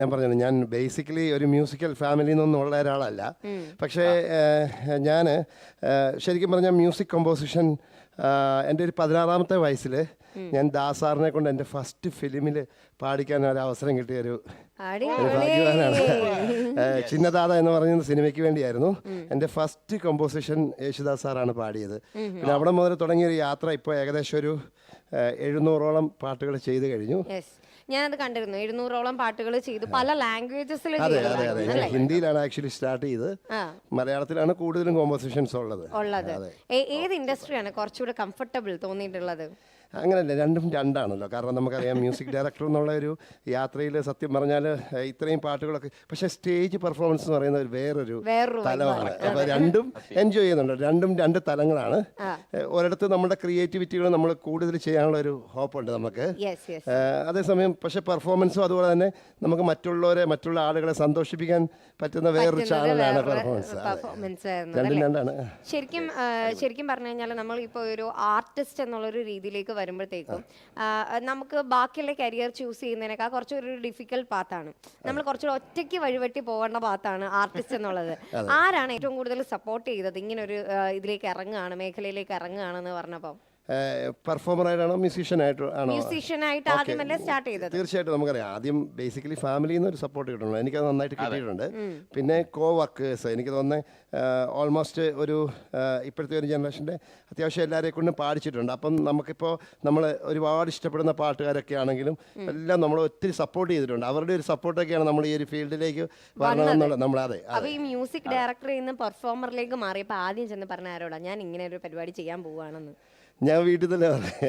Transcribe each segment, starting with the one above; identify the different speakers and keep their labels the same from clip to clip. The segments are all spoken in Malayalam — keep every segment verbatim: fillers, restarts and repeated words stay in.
Speaker 1: ഞാൻ പറഞ്ഞു ഞാൻ ബേസിക്കലി ഒരു മ്യൂസിക്കൽ ഫാമിലിയിൽ നിന്നുള്ള ഒരാളല്ല. പക്ഷേ ഞാൻ ശരിക്കും പറഞ്ഞാൽ മ്യൂസിക് കമ്പോസിഷൻ എൻ്റെ ഒരു പതിനാറാമത്തെ വയസ്സിൽ ഞാൻ ദാസാറിനെ കൊണ്ട് എൻ്റെ ഫസ്റ്റ് ഫിലിമിൽ പാടിക്കാൻ ഒരു അവസരം കിട്ടിയൊരു ഭാഗ്യവാനാണ്. ചിന്നദാദ എന്ന് പറയുന്ന സിനിമയ്ക്ക് വേണ്ടിയായിരുന്നു എൻ്റെ ഫസ്റ്റ് കമ്പോസിഷൻ യേശുദാസ് സാറാണ് പാടിയത്. പിന്നെ അവിടെ മുതൽ തുടങ്ങിയൊരു യാത്ര ഇപ്പോൾ ഏകദേശം ഒരു എഴുന്നൂറോളം പാട്ടുകൾ ചെയ്തു കഴിഞ്ഞു.
Speaker 2: ഞാനത് കണ്ടിരുന്നു. എഴുന്നൂറോളം പാട്ടുകൾ ചെയ്തു, പല ലാംഗ്വേജസിൽ.
Speaker 1: അതെ അതെ അതെ ഞാൻ ഹിന്ദിയിലാണ് ആക്ച്വലി സ്റ്റാർട്ട് ചെയ്ത്, മലയാളത്തിലാണ് കൂടുതലും കോമ്പോസിഷൻസ് ഉള്ളത്.
Speaker 2: ഉള്ളത് ഏത് ഇൻഡസ്ട്രിയാണ് കുറച്ചുകൂടെ കംഫർട്ടബിൾ തോന്നിയിട്ടുള്ളത്?
Speaker 1: അങ്ങനെയല്ല, രണ്ടും രണ്ടാണല്ലോ. കാരണം നമുക്കറിയാം മ്യൂസിക് ഡയറക്ടർ എന്നുള്ള ഒരു യാത്രയിൽ സത്യം പറഞ്ഞാൽ ഇത്രയും പാട്ടുകളൊക്കെ, പക്ഷെ സ്റ്റേജ് പെർഫോമൻസ് എന്ന് പറയുന്ന ഒരു വേറൊരു തലമാണ്. അപ്പോൾ രണ്ടും എൻജോയ് ചെയ്യുന്നുണ്ട്. രണ്ടും രണ്ട് തലങ്ങളാണ്. ഒരിടത്ത് നമ്മുടെ ക്രിയേറ്റിവിറ്റികൾ നമ്മൾ കൂടുതൽ ചെയ്യാനുള്ള ഒരു ഹോപ്പുണ്ട് നമുക്ക്. അതേസമയം പക്ഷെ പെർഫോമൻസും അതുപോലെ തന്നെ നമുക്ക് മറ്റുള്ളവരെ മറ്റുള്ള ആളുകളെ സന്തോഷിപ്പിക്കാൻ പറ്റുന്ന വേറൊരു ചാനലാണ് പെർഫോമൻസ്. രണ്ടും രണ്ടാണ്.
Speaker 2: ശരിക്കും ശരിക്കും പറഞ്ഞു കഴിഞ്ഞാൽ നമ്മൾ ഇപ്പോൾ ഒരു ആർട്ടിസ്റ്റ് എന്നുള്ളൊരു രീതിയിലേക്ക് വരുമ്പോഴത്തേക്കും നമുക്ക് ബാക്കിയുള്ള കരിയർ ചൂസ് ചെയ്യുന്നതിനേക്കാൾ കുറച്ചൊരു ഡിഫിക്കൽട്ട് പാത്താണ്. നമ്മൾ കുറച്ചുകൂടെ ഒറ്റയ്ക്ക് വഴിവെട്ടി പോകേണ്ട പാത്താണ് ആർട്ടിസ്റ്റ് എന്നുള്ളത്. ആരാണ് ഏറ്റവും കൂടുതൽ സപ്പോർട്ട് ചെയ്തത് ഇങ്ങനെ ഒരു ഇതിലേക്ക് ഇറങ്ങുകയാണ്, മേഖലയിലേക്ക് ഇറങ്ങുകയാണെന്ന് പറഞ്ഞപ്പോൾ?
Speaker 1: പെർഫോമറായിട്ടാണോ മ്യൂസീഷ്യനായിട്ടോ ആണോ?
Speaker 2: മ്യൂസീഷ്യനായിട്ട് ആദ്യമല്ലേ സ്റ്റാർട്ട് ചെയ്തത്?
Speaker 1: തീർച്ചയായിട്ടും നമുക്കറിയാം ആദ്യം ബേസിക്കലി ഫാമിലിയിൽ നിന്ന് ഒരു സപ്പോർട്ട് കിട്ടുന്നുണ്ട്. എനിക്കത് നന്നായിട്ട് കിട്ടിയിട്ടുണ്ട്. പിന്നെ കോ വർക്കേഴ്സ്, എനിക്ക് തോന്നുന്നത് ഓൾമോസ്റ്റ് ഒരു ഇപ്പോഴത്തെ ഒരു ജനറേഷൻ്റെ അത്യാവശ്യം എല്ലാവരെ കൊണ്ടും പാടിച്ചിട്ടുണ്ട്. അപ്പം നമുക്കിപ്പോൾ നമ്മൾ ഒരുപാട് ഇഷ്ടപ്പെടുന്ന പാട്ടുകാരൊക്കെ ആണെങ്കിലും എല്ലാം നമ്മൾ ഒത്തിരി സപ്പോർട്ട് ചെയ്തിട്ടുണ്ട്. അവരുടെ ഒരു സപ്പോർട്ടൊക്കെയാണ് നമ്മൾ ഈ ഒരു ഫീൽഡിലേക്ക് വരണമെന്നുള്ളത്. നമ്മൾ അതെ
Speaker 2: അപ്പോൾ ഈ മ്യൂസിക് ഡയറക്ടറിൽ നിന്ന് പെർഫോമറിലേക്ക് മാറിയപ്പോൾ ആദ്യം ചെന്ന് പറഞ്ഞ ആരോടാ ഞാൻ ഇങ്ങനെ ഒരു പരിപാടി ചെയ്യാൻ പോവുകയാണെന്ന്?
Speaker 1: ഞാൻ വീട്ടിൽ തന്നെ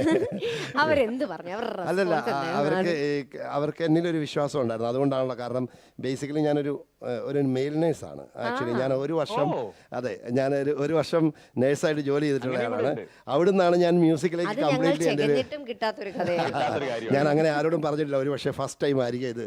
Speaker 2: അവരെന്ത് പറഞ്ഞു?
Speaker 1: അല്ലല്ല, അവർക്ക് അവർക്ക് എന്നിലൊരു വിശ്വാസം ഉണ്ടായിരുന്നു. അതുകൊണ്ടാണല്ലോ. കാരണം ബേസിക്കലി ഞാനൊരു ഒരു മെയിൽ നേഴ്സാണ് ആക്ച്വലി. ഞാൻ ഒരു വർഷം അതെ ഞാനൊരു ഒരു വർഷം നേഴ്സായിട്ട് ജോലി ചെയ്തിട്ടുള്ള ആളാണ്. അവിടുന്നാണ് ഞാൻ മ്യൂസിക്കിലേക്ക് കംപ്ലീറ്റ്ലി എൻ്റെ ഞാൻ അങ്ങനെ ആരോടും പറഞ്ഞിട്ടില്ല. ഒരു പക്ഷേ ഫസ്റ്റ് ടൈം ആയിരിക്കും ഇത്.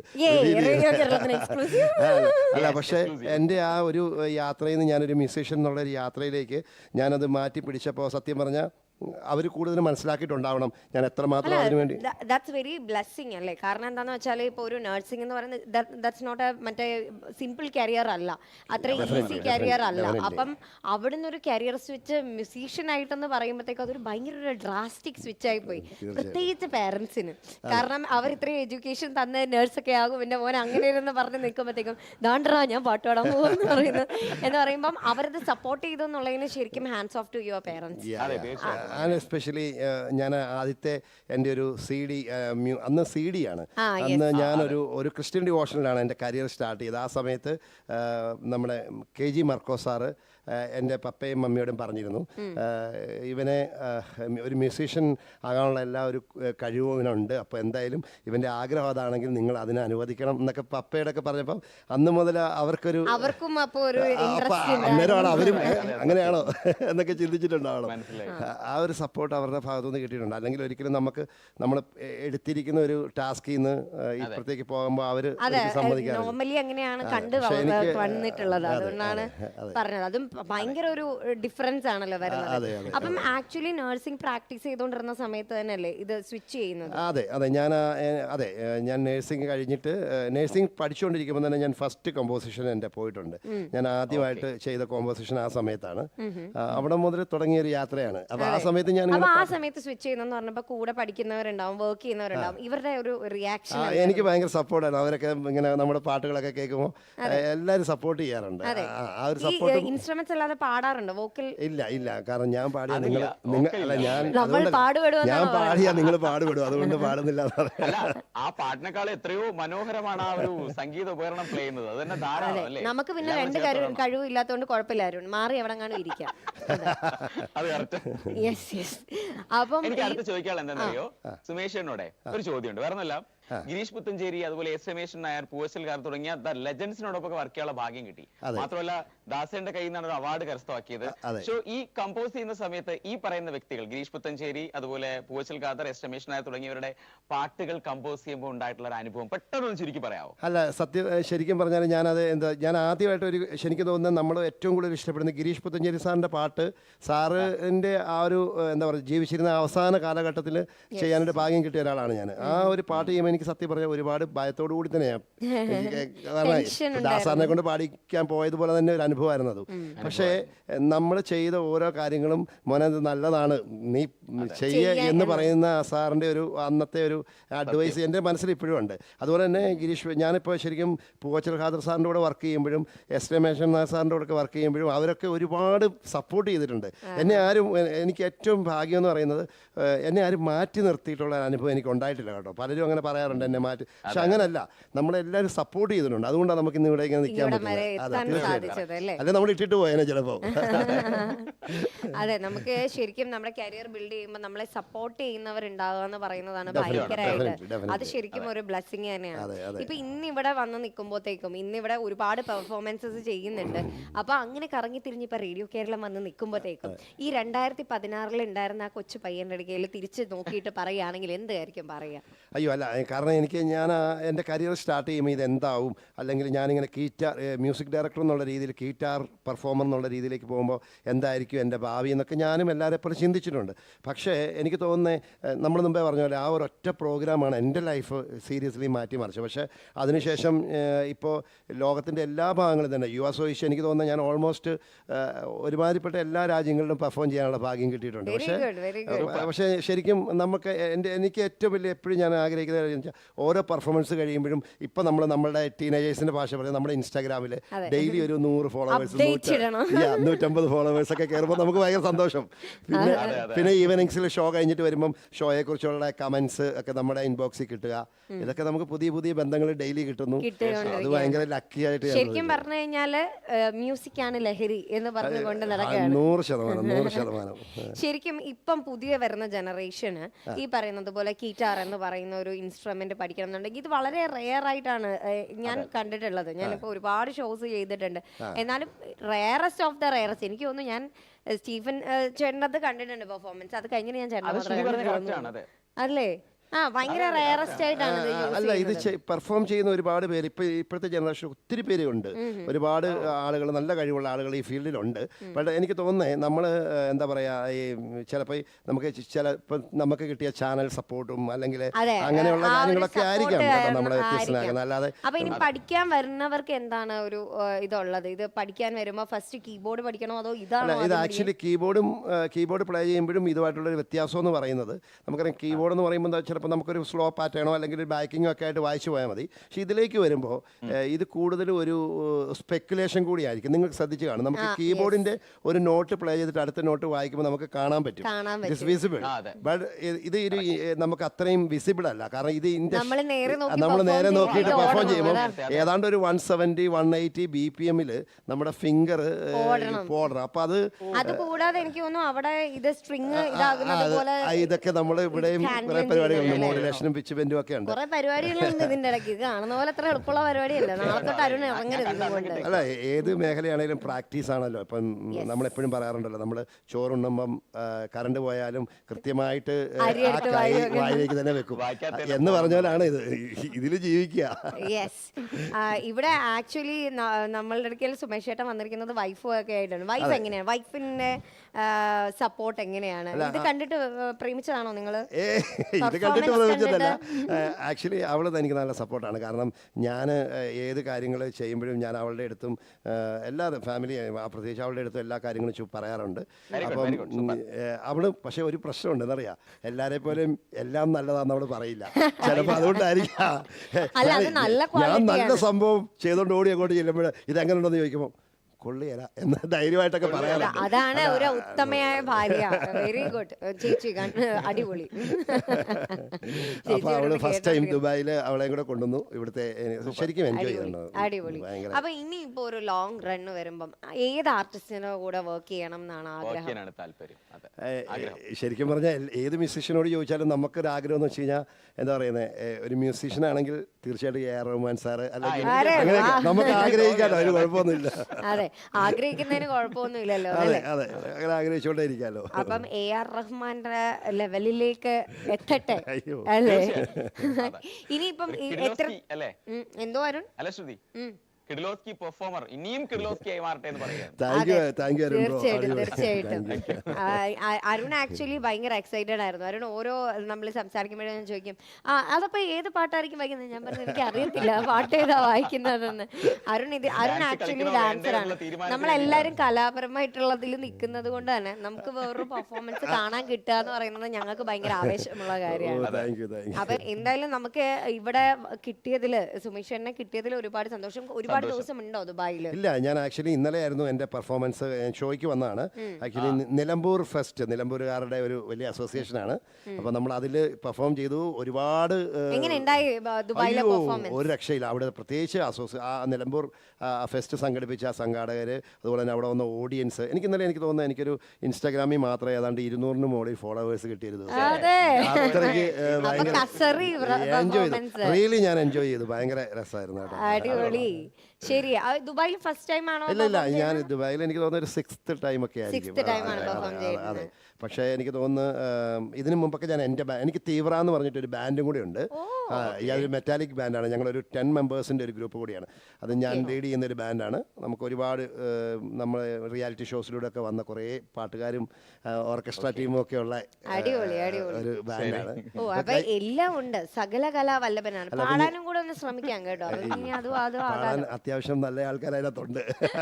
Speaker 1: അല്ല, പക്ഷേ എൻ്റെ ആ ഒരു യാത്രയിൽ നിന്ന് ഞാനൊരു മ്യൂസീഷ്യൻ എന്നുള്ളൊരു യാത്രയിലേക്ക് ഞാനത് മാറ്റി പിടിച്ചപ്പോൾ സത്യം പറഞ്ഞാൽ അവർ കൂടുതൽ മനസ്സിലാക്കിയിട്ടുണ്ടാവണം ഞാൻ എത്രമാത്രം അതിനു വേണ്ടി.
Speaker 2: ദാറ്റ്സ് വെരി ബ്ലെസ്സിങ് അല്ലേ? കാരണം എന്താണെന്ന് വെച്ചാൽ ഇപ്പോൾ ഒരു നഴ്സിംഗ് എന്ന് പറയുന്നത് ദാറ്റ്സ് നോട്ട് എ മറ്റേ സിമ്പിൾ കരിയർ അല്ല, അത്ര ഈസി കരിയർ അല്ല. അപ്പം അവിടുന്ന് ഒരു കരിയർ സ്വിച്ച് മ്യൂസീഷ്യൻ ആയിട്ടെന്ന് പറയുമ്പോഴത്തേക്കും അതൊരു ഭയങ്കര ഒരു ഡ്രാസ്റ്റിക് സ്വിച്ച് ആയി പോയി, പ്രത്യേകിച്ച് പേരൻസിന്. കാരണം അവർ ഇത്രയും എഡ്യൂക്കേഷൻ തന്ന നേഴ്സൊക്കെ ആകും എൻ്റെ മോൻ അങ്ങനെ ഇരുന്ന് പറഞ്ഞ് നിൽക്കുമ്പോഴത്തേക്കും ദാണ്ടറാ ഞാൻ പാട്ട് പാടാൻ പോകുമെന്ന് പറയുന്നത് എന്ന് പറയുമ്പം അവരത് സപ്പോർട്ട് ചെയ്തു എന്നുള്ളതിന് ശരിക്കും hands off to your parents.
Speaker 1: And especially ഞാൻ ആദ്യത്തെ എൻ്റെ ഒരു സി ഡി, അന്ന് സി ഡി ആണ്, അന്ന് ഞാനൊരു ഒരു ക്രിസ്ത്യൻ ഡിവോഷനിലാണ് എൻ്റെ കരിയർ സ്റ്റാർട്ട് ചെയ്തത്. ആ സമയത്ത് നമ്മുടെ കെ ജി മർക്കോ സാറ് എൻ്റെ പപ്പയും മമ്മിയോടും പറഞ്ഞിരുന്നു ഇവനെ ഒരു മ്യൂസീഷ്യൻ ആകാനുള്ള എല്ലാ ഒരു കഴിവും ഇവനുണ്ട്, അപ്പോൾ എന്തായാലും ഇവൻ്റെ ആഗ്രഹം അതാണെങ്കിൽ നിങ്ങൾ അതിനെ അനുവദിക്കണം എന്നൊക്കെ പപ്പയുടെ ഒക്കെ പറഞ്ഞപ്പം അന്ന് മുതൽ അവർക്കൊരു അന്നേരമാണ് അവരും അങ്ങനെയാണോ എന്നൊക്കെ ചിന്തിച്ചിട്ടുണ്ടാവണം. ആ ഒരു സപ്പോർട്ട് അവരുടെ ഭാഗത്തുനിന്ന് കിട്ടിയിട്ടുണ്ട്. അല്ലെങ്കിൽ ഒരിക്കലും നമുക്ക് നമ്മൾ എടുത്തിരിക്കുന്ന ഒരു ടാസ്കിൽ നിന്ന് ഇപ്പുറത്തേക്ക് പോകുമ്പോൾ അവർ
Speaker 2: സമ്മതിക്കാറുണ്ട്. ഭയങ്കര ഒരു ഡിഫറൻസ് ആണല്ലോ വരുന്നത്. അപ്പം ആക്ച്വലി നഴ്സിംഗ് പ്രാക്ടീസ് ചെയ്തുകൊണ്ടിരുന്ന സമയത്ത് തന്നെയല്ലേ ഇത് സ്വിച്ച് ചെയ്യുന്നത്?
Speaker 1: അതെ അതെ ഞാൻ അതെ ഞാൻ നഴ്സിംഗ് കഴിഞ്ഞിട്ട് നഴ്സിംഗ് പഠിച്ചുകൊണ്ടിരിക്കുമ്പോൾ തന്നെ ഞാൻ ഫസ്റ്റ് കോമ്പോസിഷൻ എൻ്റെ പോയിട്ടുണ്ട്. ഞാൻ ആദ്യമായിട്ട് ചെയ്ത കോമ്പോസിഷൻ ആ സമയത്താണ്. അവിടെ മുതൽ തുടങ്ങിയ ഒരു യാത്രയാണ്. അപ്പോൾ ആ സമയത്ത് ഞാൻ
Speaker 2: ആ സമയത്ത് സ്വിച്ച് ചെയ്യുന്നെന്ന് പറഞ്ഞപ്പോൾ കൂടെ പഠിക്കുന്നവരുണ്ടാവും, വർക്ക് ചെയ്യുന്നവരുണ്ടാവും, ഇവരുടെ ഒരു റിയാക്ഷൻ
Speaker 1: എനിക്ക് ഭയങ്കര സപ്പോർട്ടാണ്. അവരൊക്കെ ഇങ്ങനെ നമ്മുടെ പാട്ടുകളൊക്കെ കേൾക്കുമ്പോൾ എല്ലാവരും സപ്പോർട്ട് ചെയ്യാറുണ്ട്. ആ ഒരു സപ്പോർട്ട്.
Speaker 2: ഇൻസ്ട്രുമെന്റ്സ് അല്ലാതെ പാടാറുണ്ടോ? വോക്കൽ?
Speaker 1: ഇല്ല ഇല്ല, കാരണം ഞാൻ പാടിയ നിങ്ങൾ നിങ്ങൾ അല്ല ഞാൻ
Speaker 2: ഞാൻ
Speaker 1: പാടിയാ നിങ്ങൾ പാടുപെടും, അതുകൊണ്ട് പാടുന്നില്ല.
Speaker 3: ആ പാട്ടിനേക്കാൾ എത്രയോ മനോഹരമാണ് ആ ഒരു സംഗീത ഉപകരണം പ്ലേ ചെയ്യുന്നത്. അത് തന്നെ ധാരാളം അല്ലേ?
Speaker 2: നമുക്ക് പിന്നെ രണ്ട് കഴിവ് ഇല്ലാത്തതുകൊണ്ട് കുഴപ്പമില്ലായിരുന്നു, മാറി എവിടെ കാണും ഇരിക്കാം.
Speaker 3: അത് കറക്റ്റ്.
Speaker 2: അപ്പം
Speaker 3: എനിക്ക് അടുത്ത് ചോദിക്കാനുള്ള എന്താണെന്നറിയോ സുമേഷിനോടെ ഒരു ചോദ്യമുണ്ട്. വേറെ ഒന്നല്ല, ഗിരീഷ് പുത്തഞ്ചേരി അതുപോലെ എസ് രമേശൻ നായർ, പൂവച്ചൽകാർ തുടങ്ങിയ ദ ലെജൻസിനോടൊപ്പം വർക്ക് ചെയ്യാനുള്ള ഭാഗ്യം കിട്ടി. മാത്രമല്ല ദാസന്റെ കയ്യിൽ നിന്നാണ് ഒരു അവാർഡ് കരസ്ഥമാക്കിയത്.
Speaker 1: അതെ.
Speaker 3: സോ ഈ കമ്പോസ് ചെയ്യുന്ന സമയത്ത് ഈ പറയുന്ന വ്യക്തികൾ ഗിരീഷ് പുത്തഞ്ചേരി, അതുപോലെ പൂവച്ചൽ ഖാദർ, എസ് രമേശ് നായർ തുടങ്ങിയവരുടെ പാട്ടുകൾ കമ്പോസ് ചെയ്യുമ്പോൾ ഉണ്ടായിട്ടുള്ള ഒരു അനുഭവം പെട്ടെന്ന് ചുരുക്കി പറയാമോ?
Speaker 1: അല്ല, സത്യം ശരിക്കും പറഞ്ഞാൽ ഞാനത് എന്താ ഞാൻ ആദ്യമായിട്ട് ഒരു ശരിക്കും തോന്നുന്നത് നമ്മൾ ഏറ്റവും കൂടുതൽ ഇഷ്ടപ്പെടുന്ന ഗിരീഷ് പുത്തഞ്ചേരി സാറിൻ്റെ പാട്ട് സാറിൻ്റെ ആ ഒരു എന്താ പറയുക ജീവിച്ചിരുന്ന അവസാന കാലഘട്ടത്തിൽ ചെയ്യാനൊരു ഭാഗ്യം കിട്ടിയ ഒരാളാണ് ഞാൻ. ആ ഒരു പാട്ട് ചെയ്യുമ്പോൾ എനിക്ക് സത്യം പറഞ്ഞാൽ ഒരുപാട് ഭയത്തോടു കൂടി തന്നെയാണ്. ദാസാറിനെ കൊണ്ട് പാടിക്കാൻ പോയതുപോലെ തന്നെ ഒരു അനുഭവമായിരുന്നു അത്. പക്ഷേ നമ്മൾ ചെയ്ത ഓരോ കാര്യങ്ങളും മോനെ ഇത് നല്ലതാണ് നീ ചെയ്യ എന്ന് പറയുന്ന സാറിൻ്റെ ഒരു അന്നത്തെ ഒരു അഡ്വൈസ് എൻ്റെ മനസ്സിൽ ഇപ്പോഴും ഉണ്ട്. അതുപോലെ തന്നെ ഗിരീഷ് ഞാനിപ്പോൾ ശരിക്കും പൂവച്ചൽ ഖാദർ സാറിൻ്റെ കൂടെ വർക്ക് ചെയ്യുമ്പോഴും എസ് രമേശൻ നായർ സാറിൻ്റെ കൂടെ വർക്ക് ചെയ്യുമ്പോഴും അവരൊക്കെ ഒരുപാട് സപ്പോർട്ട് ചെയ്തിട്ടുണ്ട്. എന്നെ ആരും എനിക്ക് ഏറ്റവും ഭാഗ്യം എന്ന് പറയുന്നത് എന്നെ ആരും മാറ്റി നിർത്തിയിട്ടുള്ള അനുഭവം എനിക്ക് ഉണ്ടായിട്ടില്ല കേട്ടോ. പലരും അങ്ങനെ പറയാറുണ്ട് എന്നെ മാറ്റി, പക്ഷെ അങ്ങനല്ല, നമ്മളെല്ലാവരും സപ്പോർട്ട് ചെയ്തിട്ടുണ്ട്. അതുകൊണ്ടാണ് നമുക്ക് ഇന്ന് ഇവിടെ ഇങ്ങനെ നിൽക്കാൻ പറ്റുന്നത്. അല്ലെ നമ്മൾ ഇട്ടിട്ട് പോയേനെ ചിലപ്പോൾ.
Speaker 2: അതെ, നമുക്ക് ശരിക്കും നമ്മുടെ കരിയർ ബിൽഡ് ചെയ്യുമ്പോൾ നമ്മളെ സപ്പോർട്ട് ചെയ്യുന്നവർ ഉണ്ടാവുക എന്ന് പറയുന്നതാണ് ഭയങ്കരമായിട്ട്, അത് ശരിക്കും ഒരു ബ്ലെസ്സിങ് തന്നെയാണ്. ഇപ്പൊ ഇന്ന് ഇവിടെ വന്ന് നിൽക്കുമ്പോഴത്തേക്കും ഇന്നിവിടെ ഒരുപാട് പെർഫോമൻസസ് ചെയ്യുന്നുണ്ട്. അപ്പൊ അങ്ങനെ കറങ്ങി തിരിഞ്ഞ് ഇപ്പൊ റേഡിയോ കേരളം വന്ന് നിൽക്കുമ്പോഴത്തേക്കും ഈ രണ്ടായിരത്തി പതിനാറിൽ ഉണ്ടായിരുന്ന ആ കൊച്ചു പയ്യന്റെ അടുക്കൽ തിരിച്ച് നോക്കിയിട്ട് പറയുകയാണെങ്കിൽ എന്തായിരിക്കും പറയാ?
Speaker 1: അയ്യോ അല്ല, കാരണം എനിക്ക് ഞാൻ എൻ്റെ കരിയർ സ്റ്റാർട്ട് ചെയ്യുമ്പോൾ ഇത് എന്താവും, അല്ലെങ്കിൽ ഞാനിങ്ങനെ കീറ്റാർ മ്യൂസിക് ഡയറക്ടർ എന്നുള്ള രീതിയിൽ കീറ്റാർ പെർഫോമർ എന്നുള്ള രീതിയിലേക്ക് പോകുമ്പോൾ എന്തായിരിക്കും എൻ്റെ ഭാവി എന്നൊക്കെ ഞാനും എല്ലാവരും എപ്പോഴും ചിന്തിച്ചിട്ടുണ്ട്. പക്ഷേ എനിക്ക് തോന്നുന്നത് നമ്മൾ മുമ്പേ പറഞ്ഞ പോലെ ആ ഒരൊറ്റ പ്രോഗ്രാമാണ് എൻ്റെ ലൈഫ് സീരിയസ്ലി മാറ്റിമറിച്ചത്. പക്ഷേ അതിനുശേഷം ഇപ്പോൾ ലോകത്തിൻ്റെ എല്ലാ ഭാഗങ്ങളും തന്നെ യു എസ് ഒയിച്ച് എനിക്ക് തോന്നുന്നത് ഞാൻ ഓൾമോസ്റ്റ് ഒരുമാതിരിപ്പെട്ട എല്ലാ രാജ്യങ്ങളിലും പെർഫോം ചെയ്യാനുള്ള ഭാഗ്യം കിട്ടിയിട്ടുണ്ട്. പക്ഷേ പക്ഷേ ശരിക്കും നമുക്ക് എൻ്റെ എനിക്ക് ഏറ്റവും വലിയ എപ്പോഴും ഞാൻ ആഗ്രഹിക്കുന്നത് ഓരോ പെർഫോമൻസ് കഴിയുമ്പോഴും ഇപ്പം നമ്മൾ നമ്മുടെ ടീനേജേഴ്സിൻ്റെ ഭാഷ പറയുന്നത് നമ്മുടെ ഇൻസ്റ്റാഗ്രാമിൽ ഡെയിലി ഒരു നൂറ് ഫോളോവേഴ്സ് നൂറ്റമ്പത് ഫോളോവേഴ്സ് ഒക്കെ കയറുമ്പോൾ നമുക്ക് ഭയങ്കര സന്തോഷം. പിന്നെ പിന്നെ ഈവനിങ്സിൽ ഷോ കഴിഞ്ഞിട്ട് വരുമ്പം ഷോയെക്കുറിച്ചുള്ള കമൻസ് ഒക്കെ നമ്മുടെ ഇൻബോക്സിൽ കിട്ടുക, ഇതൊക്കെ നമുക്ക് പുതിയ പുതിയ ബന്ധങ്ങൾ ഡെയിലി കിട്ടുന്നു. അത് ഭയങ്കര ലക്കി ആയിട്ട്
Speaker 2: ശരിക്കും പറഞ്ഞു കഴിഞ്ഞാല് മ്യൂസിക് ആണ് ലഹരി എന്ന് പറഞ്ഞുകൊണ്ട് നടക്കുകയാണ്.
Speaker 1: നൂറ് ശതമാനം നൂറ് ശതമാനം
Speaker 2: ശരിക്കും ഇപ്പം പുതിയ വരുന്ന ജനറേഷന് ഈ പറയുന്നത് പോലെ ഗിറ്റാർ എന്ന് പറയുന്ന ഒരു ഇൻസ്ട്രുമെന്റ് പഠിക്കണം എന്നുണ്ടെങ്കിൽ ഇത് വളരെ റെയർ ആയിട്ടാണ് ഞാൻ കണ്ടിട്ടുള്ളത്. ഞാനിപ്പോൾ ഒരുപാട് ഷോസ് ചെയ്തിട്ടുണ്ട്, എന്നാലും റെയറസ്റ്റ് ഓഫ് ദ റെയറസ്റ്റ് എനിക്ക് തോന്നുന്നു. ഞാൻ സ്റ്റീഫൻ ചേട്ടനത് കണ്ടിട്ടുണ്ട് പെർഫോമൻസ്, അത് കഴിഞ്ഞിട്ട് ഞാൻ ചേട്ടൻ അല്ലേ ആ ഭയങ്കര റെയറസ്റ്റ് ആയിട്ടാണ്.
Speaker 1: അല്ല, ഇത് പെർഫോം ചെയ്യുന്ന ഒരുപാട് പേര് ഇപ്പൊ ഇപ്പോഴത്തെ ജനറേഷൻ ഒത്തിരി പേര് ഉണ്ട്. ഒരുപാട് ആളുകൾ, നല്ല കഴിവുള്ള ആളുകൾ ഈ ഫീൽഡിലുണ്ട്. ബട്ട് എനിക്ക് തോന്നുന്നത് നമ്മൾ എന്താ പറയാ, ഈ ചിലപ്പോൾ നമുക്ക് ചില ഇപ്പം നമുക്ക് കിട്ടിയ ചാനൽ സപ്പോർട്ടും അല്ലെങ്കിൽ അങ്ങനെയുള്ള കാര്യങ്ങളൊക്കെ ആയിരിക്കാം നമ്മളെ വ്യത്യസ്തനാക്കുന്നത്. അല്ലാതെ
Speaker 2: അപ്പൊ ഇനി പഠിക്കാൻ വരുന്നവർക്ക് എന്താണ് ഒരു ഇതുള്ളത്? ഇത് പഠിക്കാൻ വരുമ്പോൾ ഫസ്റ്റ് കീബോർഡ് പഠിക്കണോ അതോ ഇതാണോ?
Speaker 1: ഇത് ആക്ച്വലി കീബോർഡും കീബോർഡ് പ്ലേ ചെയ്യുമ്പോഴും ഇതുമായിട്ടുള്ളൊരു വ്യത്യാസം എന്ന് പറയുന്നത്, നമുക്കറിയാം കീബോർഡ് എന്ന് പറയുമ്പോൾ ചിലപ്പോൾ നമുക്കൊരു സ്ലോ പാറ്റേണോ അല്ലെങ്കിൽ ഒരു ബാക്കിങ്ങോ ഒക്കെ ആയിട്ട് വായിച്ചു പോയാൽ മതി. പക്ഷേ ഇതിലേക്ക് വരുമ്പോൾ ഇത് കൂടുതലും ഒരു സ്പെക്കുലേഷൻ കൂടിയായിരിക്കും. നിങ്ങൾക്ക് ശ്രദ്ധിച്ച് കാണും, നമുക്ക് കീബോർഡിന്റെ ഒരു നോട്ട് പ്ലേ ചെയ്തിട്ട് അടുത്ത നോട്ട് വായിക്കുമ്പോൾ നമുക്ക് കാണാൻ പറ്റും, ഇറ്റ്സ് വിസിബിൾ. ബട്ട് ഇത് ഒരു നമുക്ക് അത്രയും വിസിബിൾ അല്ല, കാരണം ഇത് നമ്മൾ നേരെ നോക്കിയിട്ട് പെർഫോം ചെയ്യുമ്പോൾ ഏതാണ്ട് ഒരു one seventy one eighty B P എമ്മിൽ നമ്മുടെ ഫിംഗർ പോടണം. അപ്പൊ അത്
Speaker 2: അതുകൂടാതെ എനിക്ക് തോന്നുന്നു അവിടെ ഇത് സ്ട്രിങ്
Speaker 1: ഇതൊക്കെ നമ്മൾ ഇവിടെയും കുറെ പരിപാടികൾ മോഡുലേഷനും പിച്ച് ബെൻഡും ഒക്കെ ഉണ്ട്.
Speaker 2: കുറെ പരിപാടികളുണ്ട് ഇതിന്റെ ഇടയ്ക്ക്. കാണുന്ന പോലെ അത്ര എളുപ്പമുള്ള പരിപാടിയല്ല. നാളെ തൊട്ട് അരുൺ ഇറങ്ങരുത്.
Speaker 1: അല്ല, ഏത് മേഖലയാണെങ്കിലും പ്രാക്ടീസ് ആണല്ലോ. ഇപ്പം നമ്മളെപ്പോഴും പറയാറുണ്ടല്ലോ, നമ്മൾ ചോറുണ്ണുമ്പം കറണ്ട് പോയാലും കൃത്യമായിട്ട് വായിലേക്ക് തന്നെ വെക്കും എന്ന് പറഞ്ഞാലാണ് ഇത് ഇതിൽ ജീവിക്കുക.
Speaker 2: യെസ്, ഇവിടെ ആക്ച്വലി നമ്മളുടെ ഇടയ്ക്ക് സുമേഷ് ചേട്ടൻ വന്നിരിക്കുന്നത് വൈഫും ഒക്കെ ആയിട്ടാണ്. വൈഫ് എങ്ങനെയാണ്? വൈഫിന്റെ സപ്പോർട്ട് എങ്ങനെയാണ്? ഇത് കണ്ടിട്ട് പ്രേമിച്ചതാണോ നിങ്ങള്?
Speaker 1: ഇത് കണ്ടിട്ട് പ്രേമിച്ചതല്ല, ആക്ച്വലി അവൾ എനിക്ക് നല്ല സപ്പോർട്ടാണ്. കാരണം ഞാൻ ഏത് കാര്യങ്ങൾ ചെയ്യുമ്പോഴും ഞാൻ അവളുടെ അടുത്തും എല്ലാ ഫാമിലി പ്രത്യേകിച്ച് അവളുടെ അടുത്തും എല്ലാ കാര്യങ്ങളും പറയാറുണ്ട്. അപ്പം അവള് പക്ഷെ ഒരു പ്രശ്നമുണ്ട് എന്നറിയാം, എല്ലാരെ പോലെയും എല്ലാം നല്ലതാന്ന് അവള് പറയില്ല. ചിലപ്പോൾ അതുകൊണ്ടായിരിക്കാം ഞാൻ നല്ല സംഭവം ചെയ്തോണ്ട് ഓടി അങ്ങോട്ട് ചെല്ലുമ്പോൾ ഇതെങ്ങനെയുണ്ടെന്ന് ചോദിക്കുമ്പോൾ കൊള്ളിയല്ല എന്ന് ധൈര്യമായിട്ടൊക്കെ പറയാറുണ്ട്.
Speaker 2: അതാണ് ഒരു ഉത്തമയായ ഭാര്യ. വെരി ഗുഡ് ചേച്ചി, അടിപൊളി.
Speaker 1: അപ്പൊ അവള് ഫസ്റ്റ് ടൈം ദുബായില് അവളെയും കൂടെ കൊണ്ടുവന്നു ഇവിടുത്തെ, ശരിക്കും എൻജോയ് ചെയ്യുന്നുണ്ട്.
Speaker 2: അടിപൊളി. അപ്പൊ ഇനി ഇപ്പൊ ഒരു ലോങ് റൺ വരുമ്പം ഏത് ആർട്ടിസ്റ്റിനോ കൂടെ വർക്ക് ചെയ്യണം എന്നാണ് ആഗ്രഹം?
Speaker 3: താല്പര്യം
Speaker 1: ശരിക്കും പറഞ്ഞാൽ ഏത് മ്യൂസീഷ്യനോട് ചോദിച്ചാലും നമുക്കൊരു ആഗ്രഹം എന്ന് വെച്ച് കഴിഞ്ഞാൽ എന്താ പറയുന്നത്, ഒരു മ്യൂസീഷ്യൻ ആണെങ്കിൽ തീർച്ചയായിട്ടും എ ആർ റഹ്മാൻ സാറ് അല്ലെങ്കിൽ അങ്ങനെയൊക്കെ നമുക്ക് ആഗ്രഹിക്കാനോ, അതിന് കുഴപ്പമൊന്നുമില്ല.
Speaker 2: അതെ, ആഗ്രഹിക്കുന്നതിന് കുഴപ്പമൊന്നുമില്ലല്ലോ
Speaker 1: അതെ
Speaker 2: അല്ലേ?
Speaker 1: അതെ അങ്ങനെ ആഗ്രഹിച്ചുകൊണ്ടേ ഇരിക്കാമല്ലോ.
Speaker 2: അപ്പം എ ആർ റഹ്മാന്റെ ലെവലിലേക്ക് എത്തട്ടെ
Speaker 1: അയ്യോ.
Speaker 2: അല്ലേ? ഇനിയിപ്പം
Speaker 3: ഒരു
Speaker 2: ഈ എത്ര
Speaker 3: കിഡിലോസ്കി അല്ലേ?
Speaker 2: ഉം, എന്തോ അരുൺ?
Speaker 3: അല്ല ശ്രുതി,
Speaker 2: ഉം.
Speaker 3: കിഡിലോസ്കി പെർഫോമർ ഇനിയും കിഡിലോസ്കി ആയി മാറട്ടെ എന്ന് പറയുക.
Speaker 1: താങ്ക് യു
Speaker 2: അതെ,
Speaker 1: താങ്ക് യു അരുൺ ബ്രോ.
Speaker 2: തീർച്ചയായിട്ടും
Speaker 1: അടിപൊളി.
Speaker 2: തീർച്ചയായിട്ടും
Speaker 1: Thank you.
Speaker 2: ആ, ആ, അരുൺ ആക്ച്വലി ഭയങ്കര എക്സൈറ്റഡ് ആയിരുന്നു. അരുൺ ഓരോ നമ്മൾ സംസാരിക്കുമ്പോഴേ ഞാൻ ചോദിക്കും, ആ അതപ്പോ ഏത് പാട്ടായിരിക്കും വായിക്കുന്നത്? ഞാൻ പറഞ്ഞു എനിക്ക് അറിയത്തില്ല പാട്ട് ഏതാ വായിക്കുന്നതെന്ന്. അരുൺ ഇത് അരുൺ
Speaker 3: Dance
Speaker 2: ആക്ച്വലി
Speaker 3: കളിക്കണോ
Speaker 2: ഡാൻസർ
Speaker 3: വേണ്ടയോ
Speaker 2: ആണ്.
Speaker 3: എന്നുള്ള തീരുമാനത്തിന്
Speaker 2: നമ്മളെല്ലാരും കലാപരമായിട്ടുള്ളതിൽ നിൽക്കുന്നത് കൊണ്ട് തന്നെ നമുക്ക് വേറൊരു പെർഫോമൻസ് കാണാൻ കിട്ടുക എന്ന് പറയുന്നത് ഞങ്ങൾക്ക് ഭയങ്കര ആവേശമുള്ള കാര്യമാണ്.
Speaker 1: Thank you thank you.
Speaker 2: അപ്പൊ എന്തായാലും നമുക്ക് ഇവിടെ കിട്ടിയതില് സുമേഷ് കിട്ടിയതിൽ ഒരുപാട് സന്തോഷം. ഒരുപാട് ദിവസം ഉണ്ടോ ദുബായില്?
Speaker 1: ഇല്ല, ഞാൻ ആക്ച്വലി ഇന്നലെ ആയിരുന്നു എൻ്റെ പെർഫോമൻസ്. ഷോയ്ക്ക് വന്നതാണ്. ആക്ച്വലി നിലമ്പൂർ ഫെസ്റ്റ്, നിലമ്പൂരുകാരുടെ ഒരു വലിയ അസോസിയേഷനാണ്. അപ്പോൾ നമ്മൾ അതിൽ പെർഫോം ചെയ്തു. ഒരുപാട് ഏഹ്,
Speaker 2: എങ്ങനെ ഉണ്ടായി ബ- ദുബായിലെ
Speaker 1: അയ്യോ,
Speaker 2: പെർഫോമൻസ്?
Speaker 1: ഒരു രക്ഷയില്ല. അവിടെ പ്രത്യേകിച്ച് അസോസി ആ നിലമ്പൂർ ആ, ഫെസ്റ്റ് സംഘടിപ്പിച്ച ആ സംഘാടകർ, അതുപോലെ തന്നെ അവിടെ വന്ന ഓഡിയൻസ്, എനിക്ക് ഇന്നലെ എനിക്ക് തോന്നുന്നത് എനിക്കൊരു ഇൻസ്റ്റാഗ്രാമിൽ മാത്രമേ ഏതാണ്ട് ഇരുന്നൂറിന് മുകളിൽ ഫോളോവേഴ്സ് കിട്ടിയത്.
Speaker 2: അതെ.
Speaker 1: അത്രയ്ക്ക് ഏഹ്,
Speaker 2: അപ്പൊ
Speaker 1: ഭയങ്കര
Speaker 2: കസറി
Speaker 1: എൻജോയ് ചെയ്തു.
Speaker 2: പെർഫോമൻസ്
Speaker 1: റിയലി ഞാൻ എൻജോയ് ചെയ്തു. ഭയങ്കര രസമായിരുന്നു കേട്ടോ.
Speaker 2: അടിപൊളി. ശരി, ആ, ദുബായിൽ ഫസ്റ്റ് ടൈം ആണോ
Speaker 1: ഇല്ല ഇല്ല, ഞാൻ ദുബായിൽ എനിക്ക് തോന്നുന്നു ഒരു സിക്സ്ത് ടൈം ഒക്കെ ആയിരിക്കും.
Speaker 2: Sixth time ആണ്
Speaker 1: അതെ,
Speaker 2: perform
Speaker 1: അതെ,
Speaker 2: ചെയ്യുന്നത്.
Speaker 1: അതെ. പക്ഷേ എനിക്ക് തോന്നുന്നു ഏം, ഇതിനു മുമ്പൊക്കെ ഞാൻ എൻ്റെ ബാ- എനിക്ക് തീവ്ര എന്ന് പറഞ്ഞിട്ട് ഒരു ബാൻഡും കൂടി ഉണ്ട്. ആ, ഇതൊരു മെറ്റാലിക് ബാൻഡാണ്. ഞങ്ങളൊരു ടെൻ മെമ്പേഴ്സിൻ്റെ ഒരു ഗ്രൂപ്പ് കൂടിയാണ്. അത് ഞാൻ ലീഡ് ചെയ്യുന്ന ഒരു ബാൻഡാണ്. നമുക്ക് ഒരുപാട് നമ്മൾ റിയാലിറ്റി ഷോസിലൂടെ ഒക്കെ വന്ന കുറേ പാട്ടുകാരും ഓർക്കസ്ട്ര ടീമും ഒക്കെ ഉള്ള ആ,
Speaker 2: അടിപൊളി, അടിപൊളി.
Speaker 1: ഒരു ബാൻഡാണ്.
Speaker 2: ഓ അപ്പൊ എല്ലാം ഉണ്ട്. സകല കലാ വല്ലഭനാണ്. പാടാനും കൂടെ ഒന്ന് ശ്രമിക്കാം കേട്ടോ. അപ്പൊ ഇനി അതും അതും
Speaker 1: പാടാൻ
Speaker 2: ആകാലോ.
Speaker 1: അത്യാവശ്യം നല്ല ആൾക്കാർ അതിനകത്തുണ്ട്.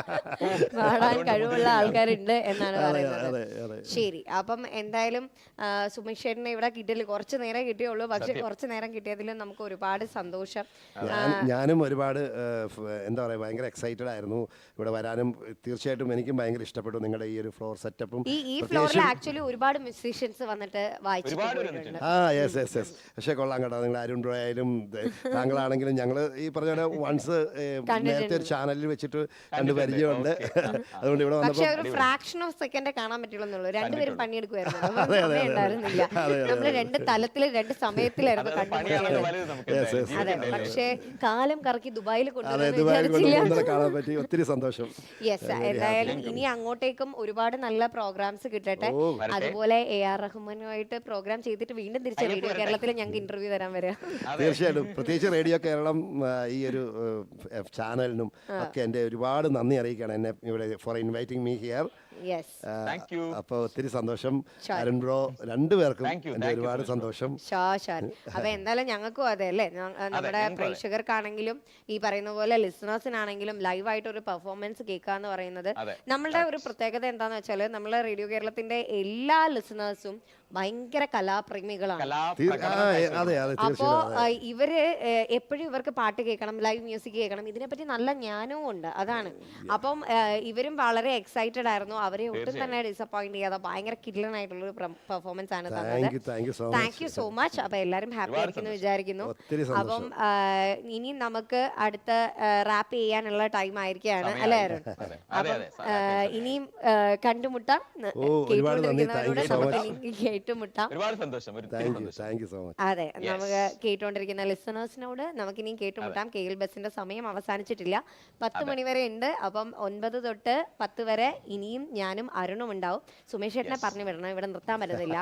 Speaker 2: പാടാൻ കഴിവുള്ള ആൾക്കാരുണ്ട് എന്നാണ്
Speaker 1: അതെ
Speaker 2: പറയുന്നത്.
Speaker 1: അതെ അതെ.
Speaker 2: ശരി, അപ്പം എന്തായാലും ആ, സുമേഷ് ചേട്ടനെ ഇവിടെ കിട്ടിയില്ല. കുറച്ച് നേരം കിട്ടിയുള്ളൂ, പക്ഷെ കുറച്ച് നേരം കിട്ടിയതിൽ നമുക്ക് ഒരുപാട് സന്തോഷം.
Speaker 1: ഞാൻ ഞാനും ഒരുപാട് ഏഹ്, ഫ്- എന്താ പറയുക, ഭയങ്കര എക്സൈറ്റഡ് ആയിരുന്നു ഇവിടെ വരാനും. തീർച്ചയായിട്ടും എനിക്കും ഭയങ്കര ഇഷ്ടപ്പെട്ടു നിങ്ങളുടെ ഈ ഒരു ഫ്ലോർ സെറ്റപ്പും.
Speaker 2: ഈ ഈ ഫ്ലോറിൽ ആക്ച്വലി ഒരുപാട് മ്യൂസീഷ്യൻസ് വന്നിട്ട് വായിച്ചിട്ട്
Speaker 3: ഒരുപാട്
Speaker 2: പോയിട്ടുണ്ട്.
Speaker 1: ആ യെസ് യെസ് യെസ്. പക്ഷേ കൊള്ളാം കേട്ടോ. നിങ്ങൾ അരുൺ ബ്രോ ആയാലും ദേ, താങ്കളാണെങ്കിലും ഞങ്ങൾ ഈ പറഞ്ഞ പോലെ വൺസ് നേരത്തെ ഒരു ചാനലിൽ വെച്ചിട്ട് കണ്ട് പരിചയമുണ്ട്. അതുകൊണ്ട് ഇവിടെ
Speaker 2: പക്ഷെ
Speaker 1: വന്നപ്പോൾ
Speaker 2: ഒരു ഫ്രാക്ഷൻ ഓഫ് സെക്കൻഡ് കാണാൻ പറ്റുള്ളൂ. രണ്ടുപേരും പണിയെടുക്കുമായിരുന്നു. നമുക്ക് സമയം ഉണ്ടായിരുന്നില്ല. നമ്മള് രണ്ട് തലത്തില് രണ്ട് സമയത്തിലായിരുന്നു
Speaker 3: അതാണ് പണിയാണ്
Speaker 2: കണ്ടുപിടിച്ചത്.
Speaker 3: വലുത് നമുക്ക് എന്തായാലും.
Speaker 2: അതെ, പക്ഷേ കാലം കറക്കി ദുബായിൽ
Speaker 1: അതെ
Speaker 2: കൊണ്ടുവന്നു
Speaker 1: ദുബായിൽ കൊണ്ട്
Speaker 2: വിചാരിച്ചില്ല.
Speaker 1: ഇന്നലെ കാണാൻ പറ്റി. ഒത്തിരി സന്തോഷം.
Speaker 2: യെസ്, എന്തായാലും ഇനി അങ്ങോട്ടേക്കും ഒരുപാട് നല്ല പ്രോഗ്രാംസ് കിട്ടട്ടെ.
Speaker 1: ഓ,
Speaker 2: അതുപോലെ എ ആർ റഹ്മാനുമായിട്ട് പ്രോഗ്രാം ചെയ്തിട്ട് വീണ്ടും തിരിച്ച് റേഡിയോ കേരളത്തിൽ ഞങ്ങൾക്ക് ഇന്റർവ്യൂ തരാൻ വരാം.
Speaker 1: തീർച്ചയായിട്ടും. പ്രത്യേകിച്ച് റേഡിയോ കേരളം ആ, ഈ ഒരു ഏഹ്, ചാനലിനും ഒക്കെ എൻ്റെ ഒരുപാട് നന്ദി അറിയിക്കുകയാണ് എന്നെ ഇവിടെ for inviting me here.
Speaker 2: Yes,
Speaker 3: Thank you.
Speaker 1: അപ്പോൾ ഒത്തിരി സന്തോഷം
Speaker 2: Sure.
Speaker 1: അരുൺ ബ്രോ, രണ്ടുപേർക്കും
Speaker 3: Thank you,
Speaker 1: എൻ്റെ
Speaker 3: thank you
Speaker 1: ഒരുപാട്
Speaker 3: so much.
Speaker 1: സന്തോഷം.
Speaker 2: ഷാ ഷാൻ. അപ്പൊ എന്തായാലും ഞങ്ങൾക്കും അതെ അല്ലേ, ഞ- നമ്മുടെ
Speaker 3: ഞങ്ങൾക്കും അതെ.
Speaker 2: പ്രേക്ഷകർക്കാണെങ്കിലും ഈ പറയുന്ന പോലെ ലിസണേഴ്സിനാണെങ്കിലും ലൈവായിട്ട് ഒരു പെർഫോമൻസ് കേൾക്കുക എന്ന് പറയുന്നത്
Speaker 3: അതെ.
Speaker 2: നമ്മളുടെ ഒരു പ്രത്യേകത എന്താന്ന് വെച്ചാൽ നമ്മളെ റേഡിയോ കേരളത്തിന്റെ എല്ലാ ലിസണേഴ്സും ഭയങ്കര കലാപ്രേമികളാണ്.
Speaker 1: തീർ- ആ,
Speaker 3: കലാപ്രകടനം
Speaker 1: അതെ അതെ
Speaker 2: അപ്പോ
Speaker 1: തീർച്ചയായും.
Speaker 2: ആ, ഇവര് എപ്പോഴും ഇവർക്ക് പാട്ട് കേൾക്കണം, ലൈവ് മ്യൂസിക് കേൾക്കണം, ഇതിനെപ്പറ്റി നല്ല ജ്ഞാനവും ഉണ്ട്. അതാണ്. അപ്പം ആ, ഇവരും വളരെ എക്സൈറ്റഡ് ആയിരുന്നു. അവരെ ഒട്ടും തന്നെ ഡിസപ്പോയിന്റ് ചെയ്യാതെ ഭയങ്കര കില്ലനായിട്ടുള്ള ഒരു പെർഫോമൻസ് ആണ്
Speaker 1: താങ്ക്
Speaker 2: തന്നത്.
Speaker 1: You thank you so
Speaker 2: thank you so much. അപ്പൊ എല്ലാരും ഹാപ്പി ആയിരിക്കുന്നു വിചാരിക്കുന്നു.
Speaker 1: ഒത്തിരി
Speaker 2: അപ്പം
Speaker 1: സന്തോഷം.
Speaker 2: ആ, ഇനി നമുക്ക് അടുത്ത റാപ്പ് ചെയ്യാനുള്ള ടൈം ആയിരിക്കുകയാണ് അല്ലേ അരുൺ?
Speaker 3: അതെ അതെ
Speaker 2: അപ്പം
Speaker 3: അതെ
Speaker 2: ആ, ഇനിയും ആ, കണ്ടുമുട്ടാം.
Speaker 1: ഓ, ഒരുപാട് നന്ദി. Thank you
Speaker 2: കേട്ടുകൊണ്ടിരിക്കുന്നവരോട്
Speaker 1: so
Speaker 2: നമുക്ക്
Speaker 1: much.
Speaker 2: ഇനി കേട്ടുമുട്ടാം.
Speaker 3: ഒരുപാട് സന്തോഷം ഒരു
Speaker 1: thank you thank you so much.
Speaker 2: അതെ, നമുക്ക് കേട്ടുകൊണ്ടിരിക്കുന്ന ലിസണേഴ്സിനോട് നമുക്കിനിയും കേട്ടുമുട്ടാം. കെ എൽ ബസിന്റെ സമയം അവസാനിച്ചിട്ടില്ല, പത്ത് മണി വരെ ഉണ്ട്. അപ്പം ഒൻപത് തൊട്ട് പത്ത് വരെ ഇനിയും ഞാനും അരുണും ഉണ്ടാവും. സുമേഷ് ചേട്ടനെ പറഞ്ഞു വിടണം, ഇവിടെ നിർത്താൻ പറ്റത്തില്ല.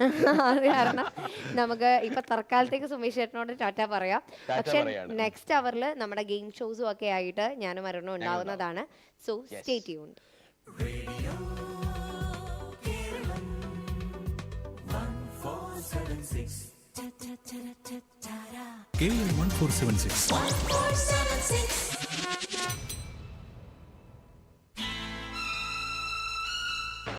Speaker 2: അത് കാരണം നമുക്ക് ഇപ്പൊ തൽക്കാലത്തേക്ക് സുമേഷ് ചേട്ടനോട് ടാറ്റ പറയാം. പക്ഷെ
Speaker 3: പറയാണ്.
Speaker 2: നെക്സ്റ്റ് അവറിൽ നമ്മുടെ ഗെയിം ഷോസും ഒക്കെ ആയിട്ട് ഞാനും അരുണും ഉണ്ടാവുന്നതാണ്. So stay tuned.
Speaker 4: K L one four seven six.